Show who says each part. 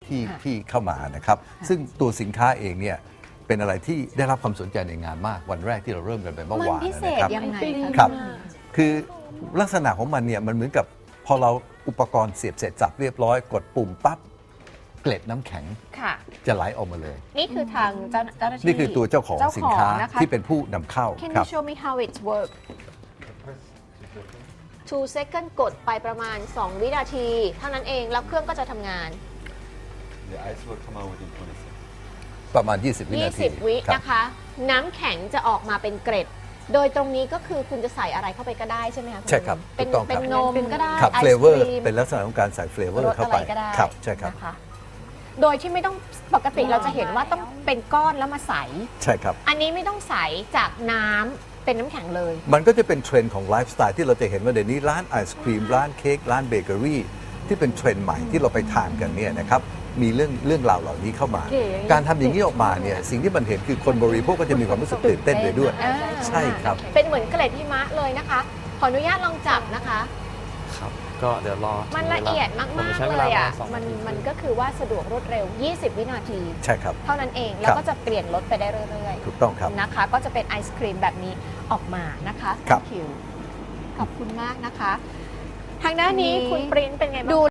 Speaker 1: ที่เข้ามานะครับซึ่งตัวสินค้าเองเนี่ยเป็นอะไรที่ได้รับความสนใจในงานมากวันแรกที่เราเริ่มกันไปเมื่อ
Speaker 2: มัน
Speaker 1: วาน
Speaker 2: พิเศษ
Speaker 1: นะครับ
Speaker 2: ยังไงคะ
Speaker 1: ครับคือลักษณะของมันเนี่ยมันเหมือนกับพอเราอุปกรณ์เสียบเสร็จสับเรียบร้อยกดปุ่มปั๊บเกล็ดน้ำแข็ง
Speaker 2: ค่ะ
Speaker 1: จะไหลออกมาเลย
Speaker 2: นี่คือทางเจ้าหน้าที่
Speaker 1: นี่คือตัวเจ้าของสินค้า
Speaker 2: นะคะ
Speaker 1: ที่เป็นผู้นำเข้า
Speaker 2: Can
Speaker 1: ครั
Speaker 2: you
Speaker 1: บ
Speaker 2: show me how it work 2 second กดไปประมาณ 2 วินาที เท่านั้นเองแล้วเครื่องก็จะทำงาน
Speaker 3: The ice will come out within 20 seconds.
Speaker 1: ประมาณ 20 วินาที
Speaker 2: 20 วิ
Speaker 1: ครับ
Speaker 2: นะคะ น้ำแข็งจะออกมาเป็นเกร็ด โดยตรงนี้ก็คือคุณจะใส่อะไรเข้าไปก็ได้ใช่ไหมคะณ
Speaker 1: ใช่ครับ
Speaker 2: เป็น
Speaker 1: ถูกต้องครับ
Speaker 2: เป็นนมก็ได้
Speaker 1: ครับ
Speaker 2: ไอศ
Speaker 1: เฟลเวอร์
Speaker 2: ครีม
Speaker 1: เป็นลักษณะของการใส่เฟลเวอ
Speaker 2: ร
Speaker 1: ร์
Speaker 2: ส
Speaker 1: เข้า
Speaker 2: อะ
Speaker 1: ไป
Speaker 2: ไรก็ได้
Speaker 1: ครับใช่ครับ
Speaker 2: นะคะโดยที่ไม่ต้องปกติเราจะเห็นว่าต้องเป็นก้อนแล้วมาใส
Speaker 1: ใช่ครับ
Speaker 2: อันนี้ไม่ต้องใสจากน้ำเป็นน้ำแข็งเลย
Speaker 1: มันก็จะเป็นเทรนด์ของไลฟ์สไตล์ที่เราจะเห็นว่าเดี๋ยวนี้ร้านไอศครีมร้านเค้กร้านเบเกอรี่ที่เป็นเทรนด์ใหม่ที่เราไปทานกันเนี่ยนะครับมีเรื่องราวเหล่านี้เข้ามา
Speaker 2: เก๋
Speaker 1: การทำอย่างนี้ออกมาเนี่ยสิ่งที่มันเห็นคือคนบริโภคก็จะมีความรู้สึกตื่นเต้นไปด้วย
Speaker 2: อ่า
Speaker 1: ใช่ครับ
Speaker 2: เป็นเหมือนเกล็ดหิมะเลยนะคะ ขออนุญาตลองจับนะคะ
Speaker 4: ครับ ก็เดี๋ยวรอ
Speaker 2: มันละเอียดมาก
Speaker 4: ผใช้
Speaker 2: ๆ
Speaker 4: ว
Speaker 2: เลยอ่ะ
Speaker 4: ปรมาณ2
Speaker 2: มัน
Speaker 4: นาที
Speaker 2: ก็คือว่าสะดวกรวดเร็ว 20 วินาที
Speaker 1: ใช่ครับ
Speaker 2: เท่านั้นเอง แล้วก็จะเปลี่ยนรสไปได้เรื่อย
Speaker 1: ถูกต้องครับ
Speaker 2: ๆนะคะ ก็จะเป็นไอศครีมแบบนี้ออกมานะคะ
Speaker 1: ครับ
Speaker 2: Thank you ขอบคุณมากนะคะ ทางด้านนี้คุณปริ้นเป็นไงบ้าง